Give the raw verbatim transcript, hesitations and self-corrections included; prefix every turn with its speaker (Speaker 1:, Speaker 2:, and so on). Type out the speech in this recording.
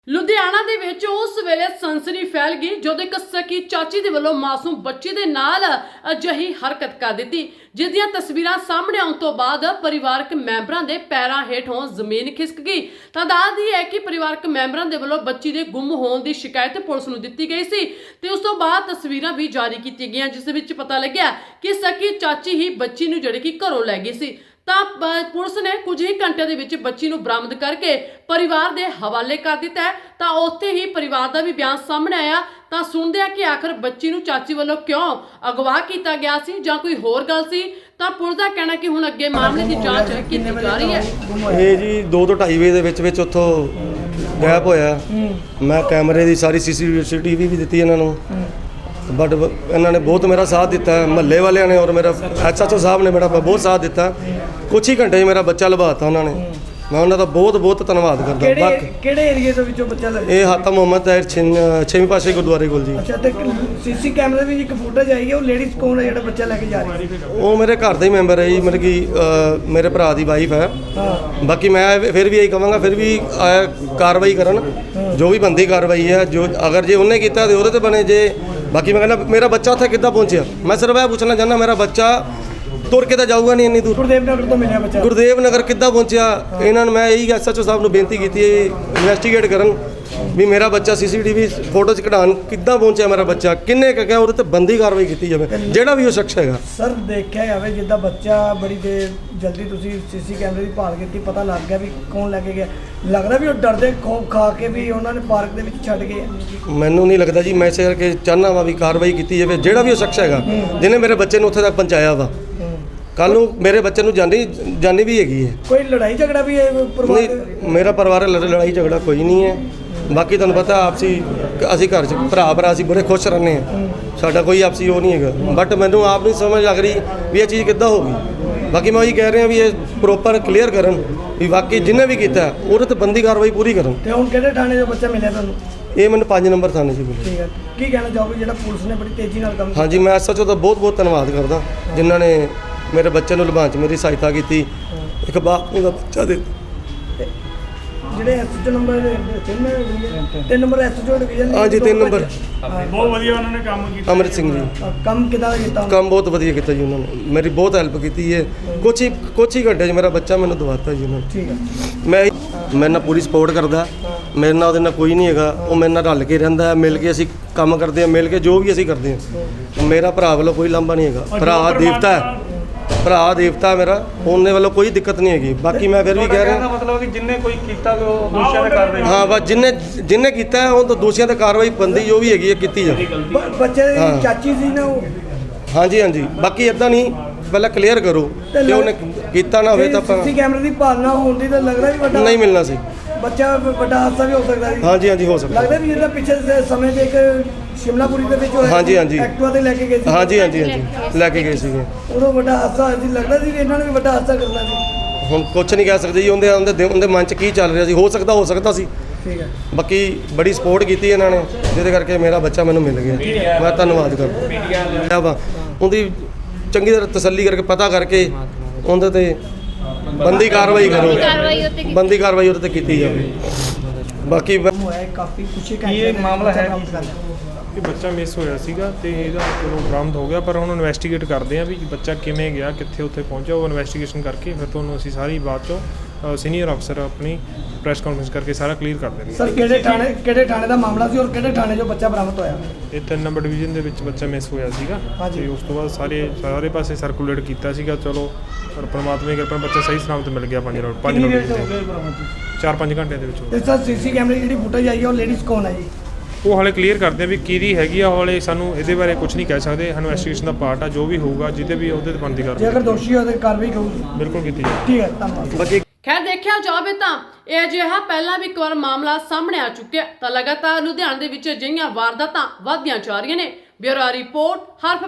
Speaker 1: ਲੁਧਿਆਣਾ ਦੇ ਵਿੱਚ ਉਸ ਵੇਲੇ ਸਨਸਨੀ ਫੈਲ ਗਈ ਜਦੋਂ ਇੱਕ ਸਕੀ ਚਾਚੀ ਦੇ ਵੱਲੋਂ ਮਾਸੂਮ ਬੱਚੀ ਦੇ ਨਾਲ ਅਜਿਹੀ ਹਰਕਤ ਕਰ ਦਿੱਤੀ, ਜਿਸ ਦੀਆਂ ਤਸਵੀਰਾਂ ਸਾਹਮਣੇ ਆਉਣ ਤੋਂ ਬਾਅਦ ਪਰਿਵਾਰਕ ਮੈਂਬਰਾਂ ਦੇ ਪੈਰਾਂ ਹੇਠੋਂ ਜ਼ਮੀਨ ਖਿਸਕ ਗਈ। ਤਾਂ ਦੱਸਦੀ ਹੈ ਕਿ ਪਰਿਵਾਰਕ ਮੈਂਬਰਾਂ ਦੇ ਵੱਲੋਂ ਬੱਚੀ ਦੇ ਗੁੰਮ ਹੋਣ ਦੀ ਸ਼ਿਕਾਇਤ ਪੁਲਿਸ ਨੂੰ ਦਿੱਤੀ ਗਈ ਸੀ ਤੇ ਉਸ ਤੋਂ ਬਾਅਦ ਤਸਵੀਰਾਂ ਵੀ ਜਾਰੀ ਕੀਤੀਆਂ ਗਈਆਂ, ਜਿਸ ਵਿੱਚ ਪਤਾ ਲੱਗਿਆ ਕਿ ਸਕੀ ਚਾਚੀ ਹੀ ਬੱਚੀ ਨੂੰ ਜਿਹੜੀ ਕਿ ਘਰੋਂ ਲੈ ਗਈ ਸੀ। ਤਾਂ ਪੁਲਿਸ ਨੇ ਕੁਝ ਹੀ ਘੰਟਿਆਂ ਦੇ ਵਿੱਚ ਬੱਚੀ ਨੂੰ ਬਰਾਮਦ ਕਰਕੇ ਪਰਿਵਾਰ ਦੇ ਹਵਾਲੇ ਕਰ ਦਿੱਤਾ ਹੈ। ਤਾਂ ਉੱਥੇ ਹੀ ਪਰਿਵਾਰ ਦਾ ਵੀ ਬਿਆਨ ਸਾਹਮਣੇ ਆਇਆ। ਤਾਂ ਸੁਣਦੇ ਆ ਕਿ ਆਖਰ ਬੱਚੀ ਨੂੰ ਚਾਚੀ ਵੱਲੋਂ ਕਿਉਂ ਅਗਵਾ ਕੀਤਾ ਗਿਆ ਸੀ ਜਾਂ ਕੋਈ ਹੋਰ ਗੱਲ ਸੀ। ਤਾਂ ਪੁਲਿਸ ਦਾ ਕਹਿਣਾ ਕਿ ਹੁਣ ਅੱਗੇ ਮਾਮਲੇ ਦੀ ਜਾਂਚ ਕੀਤੀ ਜਾ ਰਹੀ ਹੈ।
Speaker 2: ਇਹ ਜੀ ਦੋ ਤੋਂ ਢਾਈ ਵਜੇ ਦੇ ਵਿੱਚ ਵਿੱਚ ਉੱਥੋਂ ਗਾਇਬ ਹੋਇਆ। ਮੈਂ ਕੈਮਰੇ ਦੀ ਸਾਰੀ ਸੀਸੀਟੀਵੀ ਵੀ ਦਿੱਤੀ ਇਹਨਾਂ ਨੂੰ, ਬਟ ਇਹਨਾਂ ਨੇ ਬਹੁਤ ਮੇਰਾ ਸਾਥ ਦਿੱਤਾ, ਮਹੱਲੇ ਵਾਲਿਆਂ ਨੇ ਔਰ ਮੇਰਾ ਐਸਐਚਓ ਸਾਹਿਬ ਨੇ ਮੇਰਾ ਬਹੁਤ ਸਾਥ ਦਿੱਤਾ। ਕੁਛ ਹੀ ਘੰਟੇ 'ਚ ਮੇਰਾ ਬੱਚਾ ਲਭਾਤਾ ਉਹਨਾਂ ਨੇ। ਮੈਂ ਉਹਨਾਂ ਦਾ ਬਹੁਤ ਬਹੁਤ ਧੰਨਵਾਦ ਕਰਦਾ।
Speaker 3: ਬਾਕੀ ਕਿਹੜੇ ਏਰੀਏ ਦੇ ਵਿੱਚੋਂ ਬੱਚਾ ਲੱਗਾ?
Speaker 2: ਇਹ ਹਾਤਾ ਮੁਹੰਮਦ ਤਾਹਿਰ ਛੇਵੀਂ ਪਾਸੇ ਗੁਰਦੁਆਰੇ ਕੋਲ ਜੀ।
Speaker 3: ਅੱਛਾ, ਤੇ ਸੀਸੀ ਕੈਮਰੇ ਵਿੱਚ ਇੱਕ ਫੁਟੇਜ ਆਈ ਹੈ, ਉਹ ਲੇਡੀਜ਼ ਕੌਣ ਹੈ ਜਿਹੜਾ ਬੱਚਾ ਲੈ ਕੇ ਜਾ ਰਹੀ ਹੈ?
Speaker 2: ਉਹ ਮੇਰੇ ਘਰ ਦਾ ਹੀ ਮੈਂਬਰ ਹੈ ਜੀ, ਮਤਲਬ ਕਿ ਮੇਰੇ ਭਰਾ ਦੀ ਵਾਈਫ ਹੈ। ਬਾਕੀ ਮੈਂ ਫਿਰ ਵੀ ਇਹੀ ਕਹਾਂਗਾ, ਫਿਰ ਵੀ ਕਾਰਵਾਈ ਕਰਨ, ਜੋ ਵੀ ਬਣਦੀ ਕਾਰਵਾਈ ਹੈ। ਜੋ ਅਗਰ ਜੇ ਉਹਨੇ ਕੀਤਾ ਤੇ ਉਹਦੇ ਤੇ ਬਣੇ। ਜੇ ਬਾਕੀ ਮੈਂ ਕਹਿੰਦਾ ਮੇਰਾ ਬੱਚਾ ਉੱਥੇ ਕਿੱਦਾਂ ਪਹੁੰਚਿਆ, ਮੈਂ ਸਿਰਫ ਇਹ ਪੁੱਛਣਾ ਚਾਹੁੰਦਾ, ਮੇਰਾ ਬੱਚਾ ਤੁਰ ਕੇ ਤਾਂ ਜਾਊਗਾ ਨਹੀਂ ਇੰਨੀ ਦੂਰ।
Speaker 3: ਗੁਰਦੇਵ ਨਗਰ ਤੋਂ ਮਿਲਿਆ ਬੱਚਾ।
Speaker 2: ਗੁਰਦੇਵ ਨਗਰ ਕਿੱਦਾਂ ਪਹੁੰਚਿਆ? ਇਹਨਾਂ ਨੂੰ ਮੈਂ ਇਹੀ ਐਸਐਚਓ ਸਾਹਿਬ ਨੂੰ ਬੇਨਤੀ ਕੀਤੀ ਹੈ, ਇਨਵੈਸਟੀਗੇਟ ਕਰਨ ਵੀ ਮੇਰਾ ਬੱਚਾ ਸੀਸੀਟੀਵੀ ਫੋਟੋ 'ਚ ਕਢਾਉਣ ਕਿੱਦਾਂ ਪਹੁੰਚਿਆ, ਮੇਰਾ ਬੱਚਾ ਕਿੰਨੇ ਕੁ ਗਿਆ, ਉਹਦੇ ਤੇ ਬੰਦੀ ਕਾਰਵਾਈ ਕੀਤੀ ਜਾਵੇ, ਜਿਹੜਾ ਵੀ ਉਹ ਸ਼ਖਸ ਹੈਗਾ।
Speaker 3: ਸਰ, ਦੇਖਿਆ ਜਾਵੇ ਜਿੱਦਾਂ ਬੱਚਾ ਬੜੀ ਦੇਰ ਜਲਦੀ ਤੁਸੀਂ ਸੀਸੀ ਕੈਮਰੇ ਦੀ ਭਾਲ ਕੀਤੀ, ਪਤਾ ਲੱਗ ਗਿਆ ਵੀ ਕੌਣ ਲੈ ਕੇ ਗਿਆ। ਲੱਗਦਾ ਵੀ ਉਹ ਡਰਦੇ ਖੌਫ ਖਾ ਕੇ ਵੀ ਉਹਨਾਂ ਨੇ ਪਾਰਕ ਦੇ ਵਿੱਚ ਛੱਡ ਗਏ।
Speaker 2: ਮੈਨੂੰ ਨਹੀਂ ਲੱਗਦਾ ਜੀ, ਮੈਂ ਇਸੇ ਕਰਕੇ ਚਾਹੁੰਦਾ ਵਾ ਵੀ ਕਾਰਵਾਈ ਕੀਤੀ ਜਾਵੇ, ਜਿਹੜਾ ਵੀ ਉਹ ਸ਼ਖਸ ਹੈਗਾ ਜਿਹਨੇ ਮੇਰੇ ਬੱਚੇ ਨੂੰ ਉੱਥੇ ਤੱਕ ਪਹੁੰਚਾਇਆ ਵਾ। ਕੱਲ ਨੂੰ ਮੇਰੇ ਬੱਚੇ ਨੂੰ ਜਾਨੀ ਜਾਨੀ ਵੀ ਹੈਗੀ ਹੈ।
Speaker 3: ਕੋਈ ਲੜਾਈ ਝਗੜਾ ਵੀ ਹੈ ਪਰਿਵਾਰ?
Speaker 2: ਨਹੀਂ, ਮੇਰਾ ਪਰਿਵਾਰ ਲੜਾਈ ਝਗੜਾ ਕੋਈ ਨਹੀਂ ਹੈ। ਬਾਕੀ ਤੁਹਾਨੂੰ ਪਤਾ ਆਪਸੀ ਅਸੀਂ ਘਰ 'ਚ ਭਰਾ ਭਰਾ ਅਸੀਂ ਬੜੇ ਖੁਸ਼ ਰਹਿੰਦੇ ਹਾਂ, ਸਾਡਾ ਕੋਈ ਆਪਸੀ ਉਹ ਨਹੀਂ ਹੈਗਾ। ਬਟ ਮੈਨੂੰ ਆਪ ਨਹੀਂ ਸਮਝ ਲੱਗ ਰਹੀ ਵੀ ਇਹ ਚੀਜ਼ ਕਿੱਦਾਂ ਹੋ ਗਈ। ਬਾਕੀ ਮੈਂ ਉਹੀ ਕਹਿ ਰਿਹਾ ਵੀ ਇਹ ਪ੍ਰੋਪਰ ਕਲੀਅਰ ਕਰਨ ਵੀ ਵਾਕਈ ਜਿਹਨੇ ਵੀ ਕੀਤਾ ਉਹਦੇ ਤੇ ਬੰਦੀ ਕਾਰਵਾਈ ਪੂਰੀ ਕਰਨ।
Speaker 3: ਤੇ ਹੁਣ ਕਿਹੜੇ ਥਾਣੇ 'ਚੋਂ ਬੱਚਾ ਮਿਲਿਆ ਤੁਹਾਨੂੰ?
Speaker 2: ਇਹ ਮੈਨੂੰ ਪੰਜ ਨੰਬਰ ਥਾਣੇ 'ਚ ਮਿਲਿਆ।
Speaker 3: ਠੀਕ ਹੈ, ਕੀ ਕਹਿਣਾ ਚਾਹੋਗੇ ਜਿਹੜਾ ਪੁਲਿਸ ਨੇ ਬੜੀ ਤੇਜ਼ੀ ਨਾਲ ਕੰਮ?
Speaker 2: ਹਾਂਜੀ, ਮੈਂ ਐਸਐਚਓ ਦਾ ਬਹੁਤ ਬਹੁਤ ਧੰਨਵਾਦ ਕਰਦਾ ਜਿਨ੍ਹਾਂ ਨੇ ਮੇਰੇ ਬੱਚੇ ਨੂੰ ਲਭਾਉਣ 'ਚ ਮੇਰੀ ਸਹਾਇਤਾ ਕੀਤੀ। ਇੱਕ ਬਾਪ ਨੂੰ ਦਾ ਬੱਚਾ ਦੇ
Speaker 3: ਜਿਹੜੇ ਐਸਐਚਓ ਨੰਬਰ ਤਿੰਨ ਨੰਬਰ ਐਸਐਚਓ ਡਿਵੀਜ਼ਨ।
Speaker 2: ਹਾਂਜੀ, ਤਿੰਨ ਨੰਬਰ
Speaker 4: ਬਹੁਤ ਵਧੀਆ ਉਹਨਾਂ ਨੇ ਕੰਮ ਕੀਤਾ।
Speaker 2: ਅਮਰਿਤ ਸਿੰਘ ਜੀ,
Speaker 3: ਕੰਮ ਕਿੱਦਾਂ ਕੀਤਾ?
Speaker 2: ਕੰਮ ਬਹੁਤ ਵਧੀਆ ਕੀਤਾ ਜੀ ਉਹਨਾਂ ਨੇ, ਮੇਰੀ ਬਹੁਤ ਹੈਲਪ ਕੀਤੀ ਹੈ। ਕੁਛ ਹੀ ਕੁਛ ਹੀ ਘੰਟੇ 'ਚ ਮੇਰਾ ਬੱਚਾ ਮੈਨੂੰ ਦਵਾਤਾ ਜੀ ਉਹਨਾਂ ਨੇ।
Speaker 3: ਠੀਕ ਹੈ,
Speaker 2: ਮੈਂ ਮੇਰੇ ਨਾਲ ਪੂਰੀ ਸਪੋਰਟ ਕਰਦਾ, ਮੇਰੇ ਨਾਲ ਉਹਦੇ ਨਾਲ ਕੋਈ ਨਹੀਂ ਹੈਗਾ। ਉਹ ਮੇਰੇ ਨਾਲ ਰਲ ਕੇ ਰਹਿੰਦਾ, ਮਿਲ ਕੇ ਅਸੀਂ ਕੰਮ ਕਰਦੇ ਹਾਂ, ਮਿਲ ਕੇ ਜੋ ਵੀ ਅਸੀਂ ਕਰਦੇ ਹਾਂ। ਮੇਰਾ ਭਰਾ ਵੱਲੋਂ ਕੋਈ ਲਾਂਭਾ ਨਹੀਂ ਹੈਗਾ, ਭਰਾ ਦੇਵਤਾ ਹੈ, ਭਰਾ ਦੇਵਤਾ ਮੇਰਾ, ਉਹਨੇ ਵੱਲੋਂ ਕੋਈ ਦਿੱਕਤ ਨਹੀਂ ਹੈਗੀ। ਬਾਕੀ ਮੈਂ ਫਿਰ ਵੀ ਕਹਿ ਰਿਹਾ
Speaker 4: ਮਤਲਬ ਕਿ ਜਿੰਨੇ ਕੋਈ ਕੀਤਾ ਉਹ ਦੋਸ਼ੀਆਂ ਤੇ ਕਾਰਵਾਈ।
Speaker 2: ਹਾਂ, ਬਸ ਜਿੰਨੇ ਜਿੰਨੇ ਕੀਤਾ ਉਹ ਤਾਂ ਦੋਸ਼ੀਆਂ ਤੇ ਕਾਰਵਾਈ ਬੰਦੀ ਜੋ ਵੀ ਹੈਗੀ ਹੈ ਕੀਤੀ ਜਾਵੇ।
Speaker 3: ਬੱਚੇ ਦੀ ਚਾਚੀ ਸੀ ਨਾ ਉਹ?
Speaker 2: ਹਾਂਜੀ ਹਾਂਜੀ, ਬਾਕੀ ਇਦਾਂ ਨਹੀਂ, ਪਹਿਲਾਂ ਕਲੀਅਰ ਕਰੋ ਕਿ ਉਹਨੇ ਕੀਤਾ ਨਾ ਹੋਵੇ ਤਾਂ ਆਪਾਂ
Speaker 3: ਸੀਸੀ ਕੈਮਰੇ ਦੀ ਭਾਲਣਾ ਹੋਣ ਦੀ ਤਾਂ ਲੱਗਦਾ ਵੀ ਵੱਡਾ
Speaker 2: ਨਹੀਂ ਮਿਲਣਾ ਸੀ।
Speaker 3: ਬੱਚਾ ਵੱਡਾ ਹਾਦਸਾ ਵੀ ਹੋ ਸਕਦਾ ਸੀ।
Speaker 2: ਹਾਂਜੀ ਹਾਂਜੀ, ਹੋ ਸਕਦਾ।
Speaker 3: ਲੱਗਦਾ ਵੀ ਜਿਹੜਾ ਪਿੱਛੇ ਸਮੇਂ ਤੇ ਇੱਕ ਸ਼ਿਮਲਾਪੁਰੀ ਦੇ ਵਿੱਚ ਹੋਇਆ,
Speaker 2: ਹਾਂਜੀ ਹਾਂਜੀ,
Speaker 3: ਐਕਟਿਵਾ ਤੇ ਲੈ ਕੇ ਗਏ ਸੀ।
Speaker 2: ਹਾਂਜੀ ਹਾਂਜੀ ਹਾਂਜੀ, ਲੈ ਕੇ ਗਏ ਸੀਗੇ।
Speaker 3: ਉਦੋਂ ਵੱਡਾ ਹਾਦਸਾ ਹੋਇਆ ਸੀ, ਲੱਗਦਾ ਸੀ ਵੀ ਇਹਨਾਂ ਨੇ ਵੀ ਵੱਡਾ ਹਾਦਸਾ ਕਰਨਾ ਸੀ।
Speaker 2: ਹੁਣ ਕੁਛ ਨਹੀਂ ਕਹਿ ਸਕਦੇ ਜੀ, ਉਹਦੇ ਉਹਦੇ ਉਹਦੇ ਮਨ 'ਚ ਕੀ ਚੱਲ ਰਿਹਾ ਸੀ। ਹੋ ਸਕਦਾ ਹੋ ਸਕਦਾ ਸੀ।
Speaker 3: ਠੀਕ ਹੈ,
Speaker 2: ਬਾਕੀ ਬੜੀ ਸਪੋਰਟ ਕੀਤੀ ਇਹਨਾਂ ਨੇ, ਜਿਹਦੇ ਕਰਕੇ ਮੇਰਾ ਬੱਚਾ ਮੈਨੂੰ ਮਿਲ ਗਿਆ। ਮੈਂ ਧੰਨਵਾਦ ਕਰਦਾ ਵਾ ਉਹਦੀ, ਚੰਗੀ ਤਰ੍ਹਾਂ ਤਸੱਲੀ ਕਰਕੇ ਪਤਾ ਕਰਕੇ ਉਹਦੇ ਤੇ ਬੰਦੀ ਕਾਰਵਾਈ ਕਰੋ, ਬੰਦੀ ਕਾਰਵਾਈ ਉਹਦੇ ਤੇ ਕੀਤੀ ਜਾਵੇ। ਬਾਕੀ
Speaker 3: ਹੋਇਆ ਕਾਫੀ ਕੁਛ
Speaker 4: ਇਹ ਮਾਮਲਾ ਹੈ
Speaker 5: ਕਿ ਬੱਚਾ ਮਿਸ ਹੋਇਆ ਸੀਗਾ ਤੇ ਇਹਦਾ ਚਲੋ ਬਰਾਮਦ ਹੋ ਗਿਆ, ਪਰ ਹੁਣ ਇਨਵੈਸਟੀਗੇਟ ਕਰਦੇ ਆ ਵੀ ਬੱਚਾ ਕਿਵੇਂ ਗਿਆ, ਕਿੱਥੇ ਉੱਥੇ ਪਹੁੰਚਿਆ। ਉਹ ਇਨਵੈਸਟੀਗੇਸ਼ਨ ਕਰਕੇ ਫਿਰ ਤੁਹਾਨੂੰ ਅਸੀਂ ਸਾਰੀ ਬਾਤ ਚੋਂ ਸੀਨੀਅਰ ਅਫਸਰ ਆਪਣੀ ਪ੍ਰੈਸ ਕਾਨਫਰੰਸ ਕਰਕੇ ਸਾਰਾ ਕਲੀਅਰ ਕਰ ਦੇਣਗੇ।
Speaker 3: ਸਰ, ਕਿਹੜੇ ਥਾਣੇ ਕਿਹੜੇ ਥਾਣੇ ਦਾ ਮਾਮਲਾ ਸੀ ਔਰ ਕਿਹੜੇ ਥਾਣੇ 'ਚੋਂ ਬੱਚਾ ਬਰਾਮਦ ਹੋਇਆ?
Speaker 5: ਇਹ ਤਿੰਨ ਨੰਬਰ ਡਿਵੀਜ਼ਨ ਦੇ ਵਿੱਚ ਬੱਚਾ ਮਿਸ ਹੋਇਆ ਸੀਗਾ ਤੇ ਉਸ ਤੋਂ ਬਾਅਦ ਸਾਰੇ ਸਾਰੇ ਪਾਸੇ ਸਰਕੂਲੇਟ ਕੀਤਾ ਸੀਗਾ। ਚਲੋ ਪਰ ਪਰਮਾਤਮਾ ਦੀ ਕਿਰਪਾ ਨਾਲ ਬੱਚਾ ਸਹੀ ਸਲਾਮਤ ਮਿਲ ਗਿਆ। ਪੰਜ ਰੋਡ ਪੰਜ ਰੋਡ ਚਾਰ ਪੰਜ ਘੰਟਿਆਂ ਦੇ ਵਿੱਚ।
Speaker 3: ਤੇ ਸਰ, ਸੀਸੀ ਕੈਮਰੇ ਦੀ ਜਿਹੜੀ ਫੁਟੇਜ ਆਈ ਹੈ ਉਹ ਲੇਡੀਜ਼ ਕੌਣ ਹੈ ਜੀ?
Speaker 5: ਉਹ ਹਾਲੇ ਕਲੀਅਰ ਕਰਦੇ ਆ ਵੀ ਕਿਹਦੀ ਹੈਗੀ ਆ। ਹਾਲੇ ਸਾਨੂੰ ਇਹਦੇ ਬਾਰੇ ਕੁਝ ਨਹੀਂ ਕਹਿ ਸਕਦੇ। ਇਨਵੈਸਟੀਗੇਸ਼ਨ ਦਾ ਪਾਰਟ ਆ, ਜੋ ਵੀ ਹੋਊਗਾ ਜਿਹਦੇ ਵੀ ਉਹਦੇ ਤੇ ਬਣਦੀ
Speaker 3: ਜੇ
Speaker 5: ਕਾਰਵਾਈ
Speaker 3: ਅਗਰ ਦੋਸ਼ੀ ਹੋਵੇ ਤਾਂ ਕਾਰਵਾਈ ਹੋਊਗੀ।
Speaker 5: ਬਿਲਕੁਲ ਕੀਤੀ ਜਾਵੇ।
Speaker 3: ਠੀਕ ਹੈ, ਧੰਨਵਾਦ।
Speaker 2: ਬਾਕੀ
Speaker 1: ਖੈਰ ਦੇਖਿਆ ਜਾਵੇ ਤਾਂ ਇਹ ਅਜਿਹਾ ਪਹਿਲਾਂ ਵੀ ਇੱਕ ਵਾਰ ਮਾਮਲਾ ਸਾਹਮਣੇ ਆ ਚੁੱਕਿਆ। ਤਾਂ ਲਗਾਤਾਰ ਲੁਧਿਆਣਾ ਦੇ ਵਿੱਚ ਅਜਿਹੀਆਂ ਵਾਰਦਾਤਾਂ ਵਧਦੀਆਂ ਜਾ ਰਹੀਆਂ ਨੇ। ਬਿਊਰੋ ਰਿਪੋਰਟ ਹਰਫ